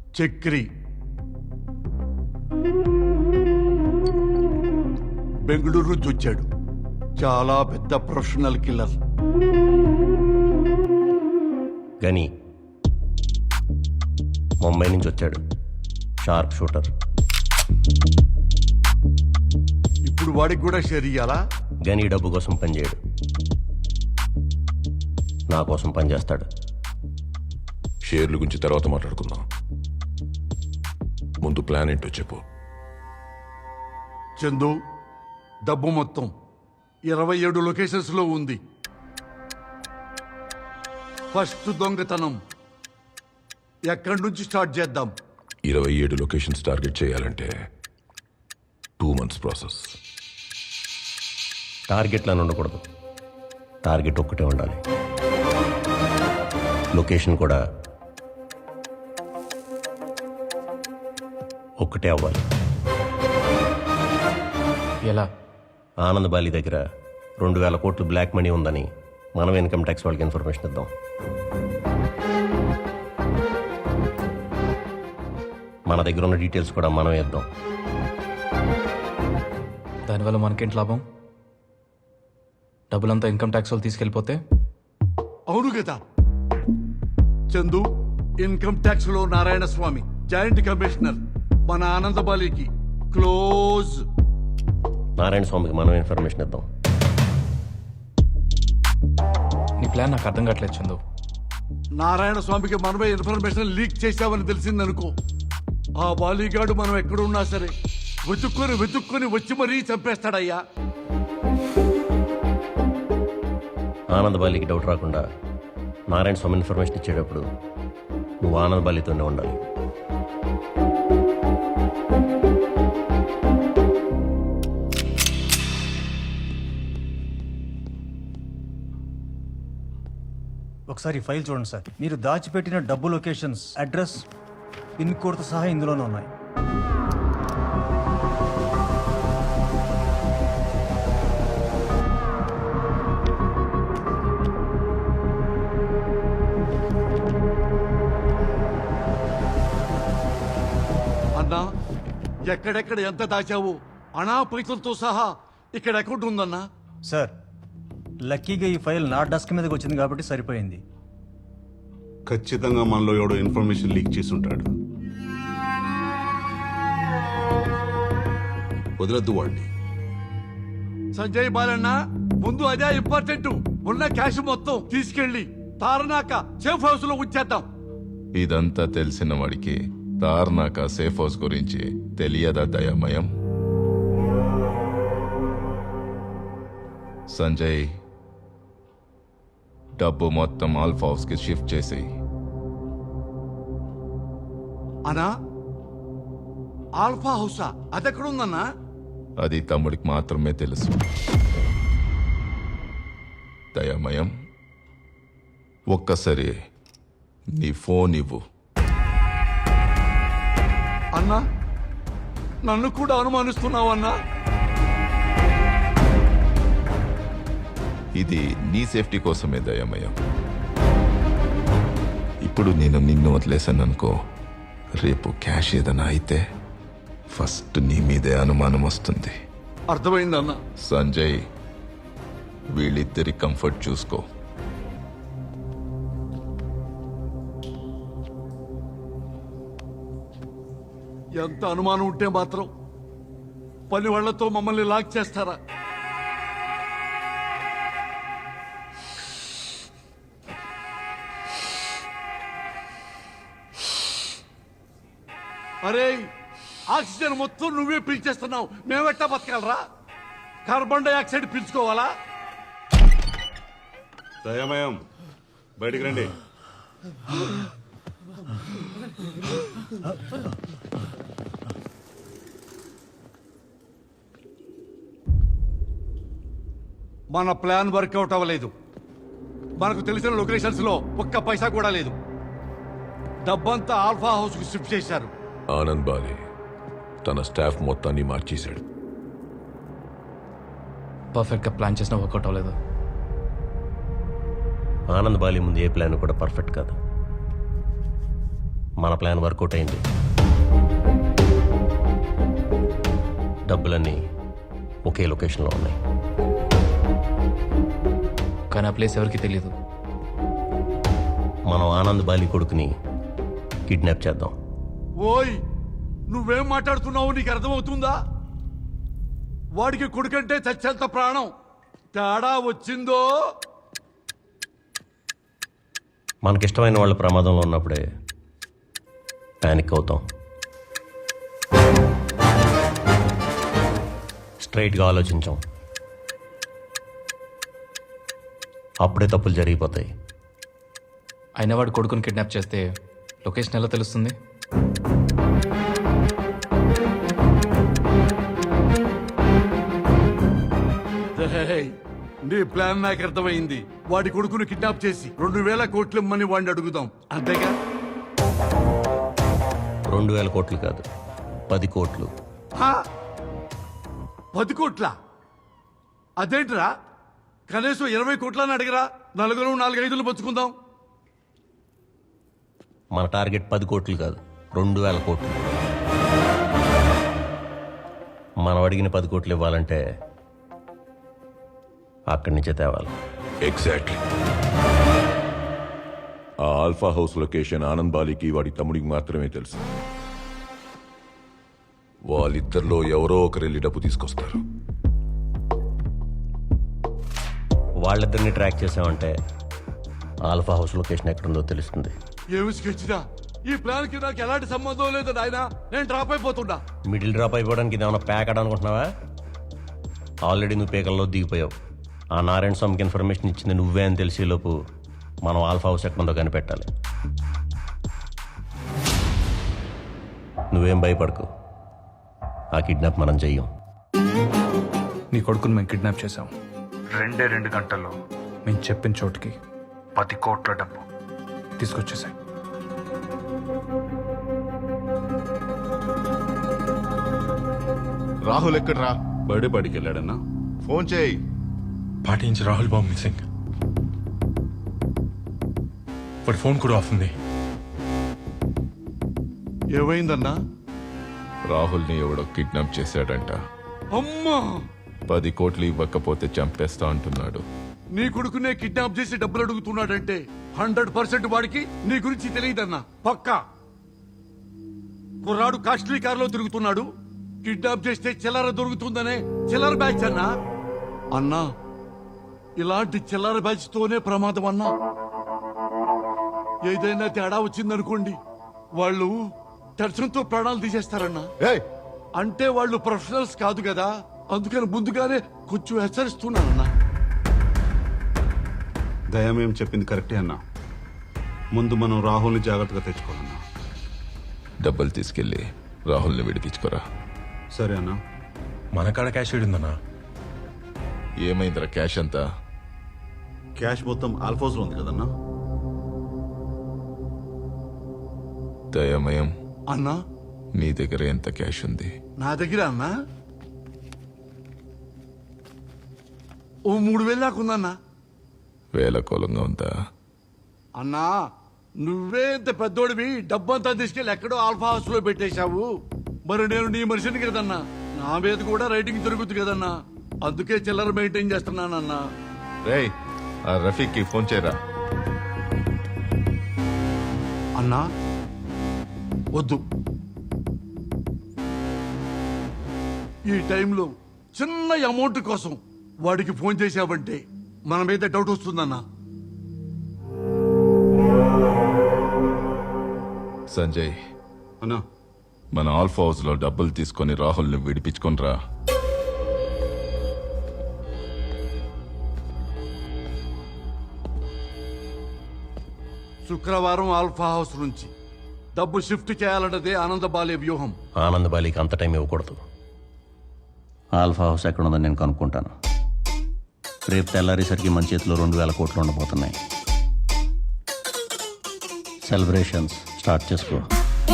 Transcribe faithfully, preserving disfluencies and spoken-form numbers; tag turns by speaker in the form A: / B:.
A: చక్రి బెంగళూరు నుంచి వచ్చాడు. చాలా పెద్ద ప్రొఫెషనల్ కిల్లర్.
B: గని ముంబై నుంచి వచ్చాడు. Sharp shooter.
A: ఇప్పుడు వాడికి కూడా షేర్ ఇయ్యాలా?
B: గని డబ్బు కోసం పనిచేయడు, నా కోసం పనిచేస్తాడు.
C: షేర్ల గురించి తర్వాత మాట్లాడుకుందాం. ముందు ప్లాన్ ఏంటో చెప్పు.
A: చందు, డబ్బు మొత్తం ఇరవై ఏడు లొకేషన్స్ లో ఉంది. ఫస్ట్ దొంగతనం ఎక్కడి నుంచి స్టార్ట్ చేద్దాం?
C: ఇరవై ఏడు లొకేషన్స్ టార్గెట్ చేయాలంటే టూ మంత్స్ ప్రాసెస్.
B: టార్గెట్లను ఉండకూడదు, టార్గెట్ ఒక్కటే ఉండాలి. లొకేషన్ కూడా ఒక్కటే అవ్వాలి.
D: ఎలా?
B: ఆనంద్ బాలి దగ్గర రెండు వేల కోట్లు బ్లాక్ మనీ ఉందని మనం ఇన్కమ్ ట్యాక్స్ వాళ్ళకి ఇన్ఫర్మేషన్ ఇద్దాం. మన దగ్గర ఉన్న డీటెయిల్స్ కూడా మనం ఇద్దాం.
D: దానివల్ల మనకేంటి లాభం? డబ్బులంతా ఇన్కమ్ ట్యాక్స్ వాళ్ళు తీసుకెళ్ళిపోతే?
A: అవును కదా చందు, ఇన్కమ్ ట్యాక్స్ లో నారాయణ స్వామి జాయింట్ కమిషనర్, మన ఆనందబాలికి క్లోజ్.
B: నారాయణ స్వామికి మనం ఇన్ఫర్మేషన్ ఇద్దాం.
D: నీ ప్లాన్ నాకు అర్థం కావట్లేదు చందు.
A: నారాయణ స్వామికి మనమే ఇన్ఫర్మేషన్ లీక్ చేశామని తెలిసిందనుకో, ఆ బాలీగాడు మనం ఎక్కడున్నా సరే వెతుక్కొని వెతుక్కొని వచ్చి మరీ చంపేస్తాడయ్యా.
B: ఆనంద్ బాలికి డౌట్ రాకుండా నారాయణ స్వామి ఇన్ఫర్మేషన్ ఇచ్చేటప్పుడు నువ్వు ఆనంద్ బాలితోనే ఉండాలి.
E: ఒకసారి ఈ ఫైల్ చూడండి సార్. మీరు దాచిపెట్టిన డబ్బు లొకేషన్స్, అడ్రస్, పిన్ కోడ్తో సహా ఇందులోనే ఉన్నాయి.
A: అన్నా, ఎక్కడెక్కడ ఎంత దాచావు? అనా పైసలతో సహా ఇక్కడ అకౌంట్ ఉందన్నా.
E: సార్, లక్కీగా ఈ ఫైల్ నా డెస్క్ మీదకి వచ్చింది కాబట్టి సరిపోయింది.
F: ఖచ్చితంగా మనలో ఎవడో ఇన్ఫర్మేషన్ లీక్ చేసి ఉంటాడు.
C: వదలద్దు వాడిని.
A: సంజయ్ బాలన్న, ముందు అదే ఇంపార్టెంట్. ఉన్న క్యాష్ మొత్తం తీసుకెళ్లి తారనాక సేఫ్ హౌస్ లో ఉంచేద్దాం.
G: ఇదంతా తెలిసిన వాడికి తార్నాక సేఫ్ హౌస్ గురించి తెలియదా దయామయం? సంజయ్, డబ్బు మొత్తం ఆల్ఫా హౌస్ కి షిఫ్ట్ చేసి.
A: అనా, ఆల్ఫా హౌసా? అదెక్కడుందన్నా?
G: అది తమ్ముడికి మాత్రమే తెలుసు. దయామయం, ఒక్కసారి నీ ఫోన్ ఇవ్వు.
A: అన్నా, నన్ను కూడా అనుమానిస్తున్నావన్నా?
G: ఇది నీ సేఫ్టీ కోసమే దయామయం. ఇప్పుడు నేను నిన్ను వదిలేశాను అనుకో, రేపు క్యాష్ ఏదైనా అయితే ఫస్ట్ నీ మీదే అనుమానం వస్తుంది.
A: అర్థమైందన్నా.
G: సంజయ్, వీళ్ళిద్దరి కంఫర్ట్ చూసుకో.
A: ఎంత అనుమానం ఉంటే మాత్రం పని వాళ్లతో మమ్మల్ని లాక్ చేస్తారా? అరే, ఆక్సిజన్ మొత్తం నువ్వే పీల్చేస్తున్నావు, మేమెట్టా బతకాలరా? Carbon dioxide పీల్చుకోవాలా?
F: దయామయం, బయటికి రండి.
A: మన ప్లాన్ వర్కౌట్ అవ్వలేదు. మనకు తెలిసిన లొకేషన్స్ లో ఒక్క పైసా కూడా లేదు. డబ్బంతా ఆల్ఫా హౌస్ కు షిఫ్ట్ చేశారు.
C: ఆనంద్ బాలి తన స్టాఫ్ మొత్తాన్ని మార్చేశాడు.
D: పర్ఫెక్ట్గా ప్లాన్ చేసినా వర్కౌట్ అవ్వలేదు.
B: ఆనంద్ బాలి ముందు ఏ ప్లాన్ కూడా పర్ఫెక్ట్ కాదు. మన ప్లాన్ వర్కౌట్ అయింది. డబ్బులన్నీ ఒకే లొకేషన్లో ఉన్నాయి.
D: కానీ ఆ ప్లేస్ ఎవరికి తెలియదు.
B: మనం ఆనంద్ బాలి కొడుకుని కిడ్నాప్ చేద్దాం.
A: ఓయ్ నువ్వేం మాట్లాడుతున్నావు నీకు అర్థమవుతుందా? వాడికి కొడుకంటే చచ్చేంత ప్రాణం. తేడా వచ్చిందో
B: మనకిష్టమైన వాళ్ళ ప్రమాదంలో ఉన్నప్పుడే ప్యానిక్ అవుతాం. స్ట్రైట్గా ఆలోచించాం, అప్పుడే తప్పులు జరిగిపోతాయి.
D: అయినా వాడు కొడుకుని కిడ్నాప్ చేస్తే లొకేషన్ ఎలా తెలుస్తుంది?
A: రేయ్, నీ ప్లాన్ నాకు అర్థమైంది. వాడి కొడుకును కిడ్నాప్ చేసి రెండు వేల కోట్లు ఇమ్మని వాడిని అడుగుదాం, అంతేగా?
B: రెండు వేల కోట్లు కాదు, పది కోట్లు.
A: హా? పది కోట్ల? అదేంట్రా, కనీసం ఇరవై కోట్లని అడిగరా, నలుగురు నాలుగైదులు పంచుకుందాం.
B: మన టార్గెట్ పది కోట్లు కాదు, రెండు వేల కోట్లు. మనం అడిగిన పది కోట్లు ఇవ్వాలంటే అక్కడి నుంచే తేవాలి.
C: ఎగ్జాక్ట్లీ. ఆ ఆల్ఫా హౌస్ లొకేషన్ ఆనంద్ బాలికి వాడి తమ్ముడికి మాత్రమే తెలుసు. వాళ్ళిద్దరిలో ఎవరో ఒకరు వెళ్ళి డబ్బు తీసుకొస్తారు.
B: వాళ్ళిద్దరిని ట్రాక్ చేసామంటే ఆల్ఫా హౌస్ లొకేషన్ ఎక్కడుందో తెలుస్తుంది.
A: ఏమి స్కెచ్దా? ఈ ప్లాన్ కి నాకు ఎలాంటి సంబంధం లేదు నాయనా. నేను డ్రాప్ అయిపోతున్నా.
B: మిడిల్ డ్రాప్ అయిపోవడానికి ఇది ఏమైనా ప్యాక్ అనుకుంటున్నావా? ఆల్రెడీ నువ్వు పేకల్లో దిగిపోయావు. ఆ నారాయణ స్వామికి ఇన్ఫర్మేషన్ ఇచ్చింది నువ్వే అని తెలిసేలోపు మనం ఆల్ఫా హౌస్ ఎక్కడుందో కనిపెట్టాలి. నువ్వేం భయపడకు, ఆ కిడ్నాప్ మనం చెయ్యం.
D: నీ కొడుకుని మేము కిడ్నాప్ చేశాం. రెండే రెండు గంటల్లో మేము చెప్పిన చోటుకి పది కోట్ల డబ్బు తీసుకొచ్చేసాయి.
H: రాహుల్ ఎక్కడ్రా?
F: బర్త్డే పార్టీకి వెళ్ళాడన్నా.
H: ఫోన్ చేయి.
I: పార్టీ నుంచి రాహుల్ బాబు మిస్సింగ్. వాడి ఫోన్ కూడా ఆఫ్ ఉంది.
A: ఏమైందన్నా?
G: రాహుల్ని ఎవడో కిడ్నాప్ చేశాడంట.
A: అమ్మా,
G: పది కోట్లు ఇవ్వకపోతే చంపేస్తా అంటున్నాడు.
A: నీ కొడుకునే కిడ్నాప్ చేసి డబ్బులు అడుగుతున్నాడంటే హండ్రెడ్ పర్సెంట్ వాడికి నీ గురించి తెలియదన్నా, పక్కా. కుర్రాడు కాస్ట్లీ కారులో తిరుగుతున్నాడు. కిడ్నాప్ చేస్తే చిల్లర దొరుకుతుందనే చిల్లర బ్యాచ్ అన్నా. అన్నా, ఇలాంటి చిల్లర బ్యాచ్ తోనే ప్రమాదం అన్నా. ఏదైనా తేడా వచ్చిందనుకోండి, వాళ్ళు టెన్షన్తో ప్రాణాలు తీసేస్తారన్నా.
H: ఏయ్,
A: అంటే వాళ్ళు ప్రొఫెషనల్స్ కాదు కదా, అందుకని ముందుగానే కొంచెం హెచ్చరిస్తున్నానన్నా.
F: దయమేం చెప్పింది కరెక్టే అన్నా. ముందు మనం రాహుల్ని జాగ్రత్తగా తెచ్చుకోవాలన్నా.
G: డబ్బులు తీసుకెళ్లి రాహుల్ని విడిపించుకోరా.
F: సరే అన్నా.
I: మన కాడ క్యాష్ ఉందన్నా.
G: ఏమైందిరా క్యాష్ అంతా?
F: క్యాష్ మొత్తం ఆల్ఫోస్ లో ఉంది కదన్నా.
G: దయమయం,
A: అన్నా,
G: నీ దగ్గర ఎంత క్యాష్ ఉంది?
A: నా దగ్గర అన్నా ఓ మూడు వేలు దాకుందన్నా.
G: వేల కోలంగా ఉందా?
A: అన్నా, నువ్వే ఇంత పెద్దోడివి, డబ్బంతా తీసుకెళ్ళి ఎక్కడో ఆల్ఫా హౌస్ లో పెట్టేశావు. మరి నేను నీ మనిషిని కదన్నా, నా మీద కూడా రైటింగ్ జరుగుతుంది కదన్నా, అందుకే చిల్లర మెయింటైన్ చేస్తున్నానన్నా.
G: రేయ్, ఆ రఫీక్కి ఫోన్ చేయరా.
A: అన్నా వద్దు, ఈ టైంలో చిన్న అమౌంట్ కోసం వాడికి ఫోన్ చేశావంటే మన మీద డౌట్ వస్తుందన్నా.
G: సంజయ్,
F: అన్నా,
G: మన ఆల్ఫా హౌస్ లో డబ్బులు తీసుకొని రాహుల్ని విడిపించుకొనిరా.
A: శుక్రవారం ఆల్ఫా హౌస్ నుంచి డబ్బు షిఫ్ట్ చేయాలన్నదే ఆనందబాలే వ్యూహం.
B: ఆనంద్ బాలికి అంత టైం ఇవ్వకూడదు. ఆల్ఫా హౌస్ ఎక్కడ ఉందని నేను కనుక్కుంటాను. రేపు తెల్లారేసరికి మన చేతిలో రెండు వేల కోట్లు ఉండబోతున్నాయి. సెలబ్రేషన్స్ స్టార్ట్ చేసుకో.